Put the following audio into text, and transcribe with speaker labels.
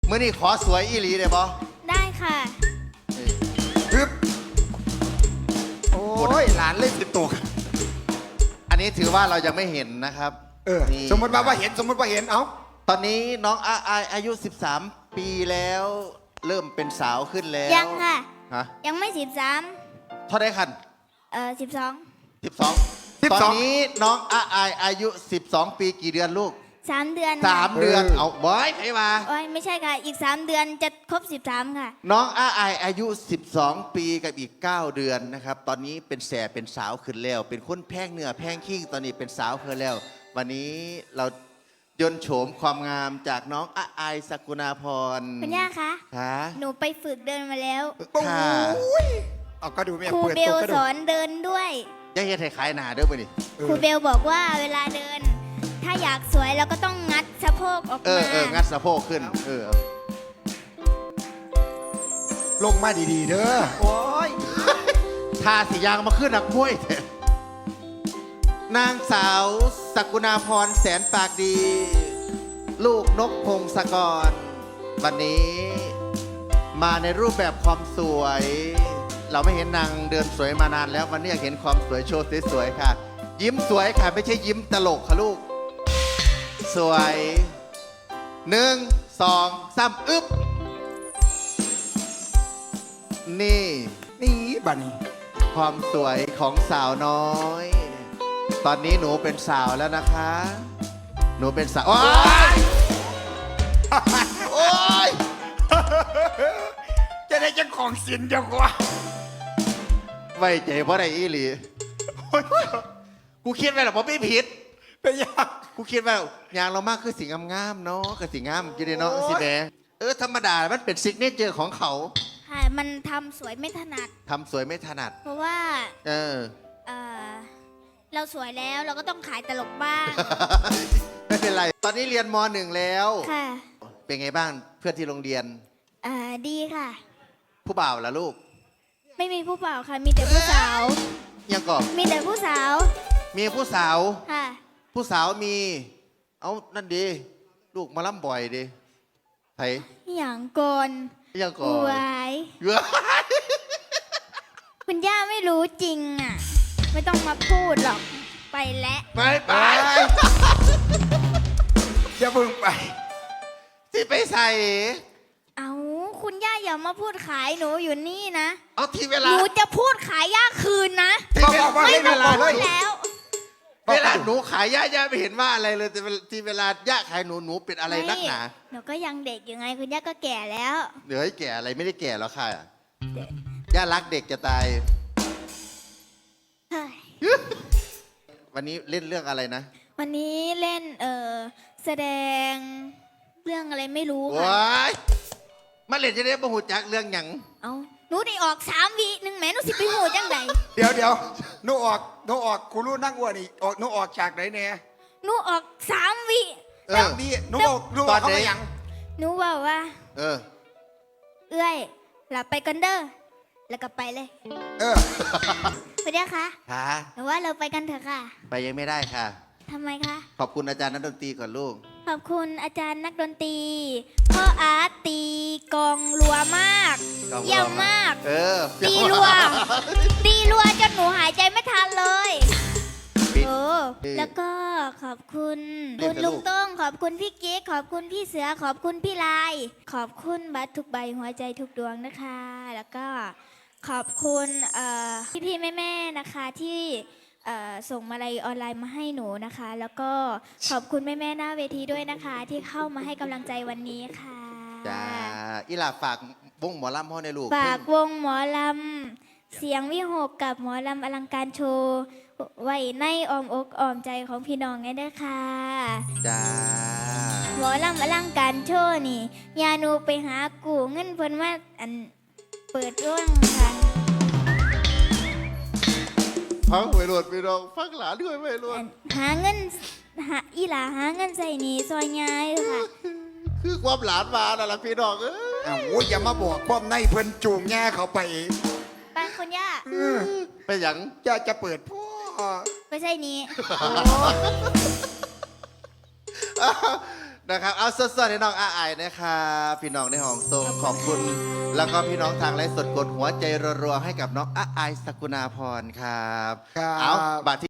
Speaker 1: มื้อนี้ขอสวยอีหลีได้บ่
Speaker 2: ได้ค่ะ
Speaker 3: ปึ๊บโอ้ยหลานเล่นติดตัว
Speaker 1: อันนี้ถือว่าเรายังไม่เห็นนะครับ นี่
Speaker 3: สมมติว่าเห็นสมมติว่าเห็นเอ้า
Speaker 1: ตอนนี้น้องอายุ 13 ปีแล้ว เริ่มเป็นสาวขึ้นแล้ว
Speaker 2: ยังค่ะ
Speaker 1: ฮะ
Speaker 2: ยังไม่
Speaker 1: เท่าไดคัน
Speaker 2: 12
Speaker 1: 12 ตอนนี้น้องอายุ 12 ปีกี่เดือนลูก
Speaker 2: 3 เดือนค่ะ
Speaker 1: 3 เดือนเอาบอยใครมา
Speaker 2: โอ้ยไม่ใช่ค่ะ อีก 3 เดือนจะครบ13ค่ะ
Speaker 1: น้องอายุ 12 ปีกับอีก 9 เดือนนะครับ ตอนนี้เป็นแสบเป็นสาวขึ้นแล้ว เป็นคนแพงเนื้อแพงขี้ตอนนี้เป็นสาวขึ้นแล้ว วันนี้เรายนต์โฉมความงามจากน้องสกุณาพร
Speaker 2: คุณย่าคะ
Speaker 1: ค่ะ
Speaker 2: หนูไปฝึกเดินมาแล้ว
Speaker 1: ค่ะ
Speaker 3: เอาก็ดูแม่
Speaker 2: ครู
Speaker 3: เปิด
Speaker 2: เบ
Speaker 3: ตั
Speaker 2: ล
Speaker 3: วก็
Speaker 2: ส
Speaker 3: ดู
Speaker 2: อนเดินด้วย
Speaker 1: อย่าเฮ็ดให้ขายหนาเด้อบ่นี่
Speaker 2: ครูเบลบอกว่าเวลาเดิน ถ้าอยากสวยเราก็ต้องงัดสะโพกออกมา
Speaker 1: งัดสะโพกขึ้น
Speaker 3: ลงมาดีๆเด้อ
Speaker 1: โอ้ยทาสียางมาขึ้นนักมวยเถอะนางสาวสกุณาพรแสนปากดี ลูกนกพงศกร วันนี้มาในรูปแบบความสวย เราไม่เห็นนางเดินสวยมานานแล้ว วันนี้อยากเห็นความสวยโชว์สวยๆค่ะ ยิ้มสวยค่ะ ไม่ใช่ยิ้มตลกค่ะลูก สวย1 2 3อึ๊บนี่
Speaker 3: นี่บัดนี้
Speaker 1: ความสวยของสาวน้อย ตอนนี้หนูเป็นสาวแล้วนะคะ หนูเป็นสาว โอ๊ยโอ๊ย
Speaker 3: จะได้เจ้าของสินเดียวกว่า
Speaker 1: ไว้ใจเพราะอะไรอีหลี กูคิดไว้หรอกว่าไม่ผิด
Speaker 3: เป็นยัง
Speaker 1: กูคิดว่าอย่างเรามากคือสีงามๆเนาะคือสีงามกินเนาะ
Speaker 3: โอ๊ย
Speaker 1: สีแดงธรรมดา มันเป็นซิกเนเจอร์ของเขา
Speaker 2: ค่ะ มันทำสวยไม่ถนัด
Speaker 1: ทำสวยไม่ถนัด
Speaker 2: เพราะว่า
Speaker 1: เออ
Speaker 2: เอ่อเราสวยแล้วเราก็ต้องขายตลกบ้าง
Speaker 1: ไม่เป็นไร ตอนนี้เรียนม .1 แล้ว
Speaker 2: ค่ะ
Speaker 1: เป็นไงบ้างเพื่อนที่โรงเรียน
Speaker 2: ดีค่ะ
Speaker 1: ผู้บ่าวล่ะลูก
Speaker 2: ไม่มีผู้เปล่าค่ะ มีแต่ผู้สาว
Speaker 1: ยังก่อน
Speaker 2: มีแต่ผู้สาว
Speaker 1: มีผู้สาว
Speaker 2: ค่ะ
Speaker 1: ผู้สาวมี เอานั่นดี ลูกมาล่ำบ่อยดีไทย
Speaker 2: อย่างกน
Speaker 1: ยังก่อ
Speaker 2: อน วาย
Speaker 1: เยอะ
Speaker 2: คุณย่าไม่รู้จริงอ่ะ ไม่ต้องมาพูดหรอก ไปแล้ว
Speaker 1: ไปไป
Speaker 3: อย่าเพิ่งไป
Speaker 1: ที่ไปใส่
Speaker 2: เอาคุณย่าอย่ามาพูดขายหนูอยู่นี่นะ
Speaker 1: เอาที่เว
Speaker 2: ห
Speaker 1: ลา
Speaker 2: นูจะพูดขายย่าคืนนะ
Speaker 3: บอกว่า
Speaker 2: ไม่
Speaker 3: ให้
Speaker 2: ต้
Speaker 3: เว
Speaker 2: อง
Speaker 3: ลา
Speaker 2: พู
Speaker 3: เล
Speaker 2: ด
Speaker 3: ย
Speaker 2: แล้ว
Speaker 1: เวลาหนูขายย่าไม่เห็นว่าอะไรเลยแต่ที่เวลาย่าขายหนูเป็นอะไรนักหนา
Speaker 2: หนูก็ยังเด็กอยู่ไง คุณย่าก็แก่แล้ว
Speaker 1: เดี๋ยวให้แก่อะไรไม่ได้แก่แล้วค่ะย่ารักเด็กจะตาย
Speaker 2: เฮ้ย
Speaker 1: วันนี้เล่นเรื่องอะไรนะ
Speaker 2: วันนี้เล่นแสดงเรื่องอะไรไม่รู้ค่ะ
Speaker 1: ว้ายมาเล่นจะได้บ่หูจักเรื่องหยัง
Speaker 2: เอาหนูได้ออก3 วิหนึ่งแหม่หนูสิไปหูจังได
Speaker 3: เดี๋ยวหนูออกครูรู้นั่งอ้วนอีกหนูออกฉากไหนเนี่ย
Speaker 2: หนูออก3 วิ
Speaker 1: เออ
Speaker 3: ดีหนูออกเขาไม่ยัง
Speaker 2: หนูบอกว่า
Speaker 1: เออ
Speaker 2: เอื้อยหลับไปกันเด้อแล้วก็ไปเลย
Speaker 3: เออ
Speaker 2: คุณย่าคะ
Speaker 1: ค่ะ
Speaker 2: หนูว่าเราไปกันเถอะค่ะ
Speaker 1: ไปยังไม่ได้ค่ะ
Speaker 2: ทำไมคะ
Speaker 1: ขอบคุณอาจารย์นักดนตรีก่อนลูก
Speaker 2: ขอบคุณอาจารย์นักดนตรีพ่ออาร์ตตีกลองรัวมาก
Speaker 1: กลองรัว
Speaker 2: เยี่ยมมาก
Speaker 1: เออ
Speaker 2: ตีรัว ตีรัวจนหนูหายใจไม่ทันเลย
Speaker 1: ปิด
Speaker 2: โอ้แล้วก็ขอบคุณ
Speaker 1: เรีย
Speaker 2: คุ
Speaker 1: ก
Speaker 2: ณ
Speaker 1: แต่
Speaker 2: ลุ
Speaker 1: ลู
Speaker 2: ง
Speaker 1: ก
Speaker 2: ต้องขอบคุณพี่กิ๊กขอบคุณพี่เสือขอบคุณพี่ลาย ขอบคุณบัตรทุกใบหัวใจทุกดวงนะคะ แล้วก็ขอบคุณพี่ๆแม่ๆนะคะที่ส่งมาลัยออนไลน์มาให้หนูนะคะ แล้วก็ขอบคุณแม่ๆหน้าเวทีด้วยนะคะ ที่เข้ามาให้กำลังใจวันนี้ค่ะ
Speaker 1: จ้าอีหลาฝากวงหมอลำพ่อในลูก
Speaker 2: ฝากวงหมอลำเสียงวิหกกับหมอลำอลังการโชว์ไว้ในอ้อมอกอ้อมใจของพี่น้องไงเด้อค่ะ
Speaker 1: จ้า
Speaker 2: หมอลำอลังการโชว์นี่ยาหนูไปหากูเงินเพิ่นมาเปิดร่วงค่ะ
Speaker 1: ฟังไว้รวดพี่น้องฟังหลานด้วยไว้รวด
Speaker 2: หาเงินอีหลาหาเงินใส่หนีซอยยายเด้อค่ะ
Speaker 1: คือความหลานมาน่ะล่ะพี่น้องเอ้ย
Speaker 3: อ้าวโอ้ยอย่ามาบอกความในเพิ่นจูงแง่เขาไป
Speaker 2: ไปคุณย่า
Speaker 1: ไปหยัง
Speaker 3: จะเปิดพ่อ
Speaker 2: ไปใส่หนี้
Speaker 1: นนะครับเอาสดๆให้น้องอาไอายนะครับพี่น้องในห้องส่งขอบคุณ แล้วก็พี่น้องทางไลฟ์สดกดหัวใจรัวๆให้กับน้องอาไอายสกุณาพรครับ
Speaker 3: ครับ
Speaker 1: เอาบัตร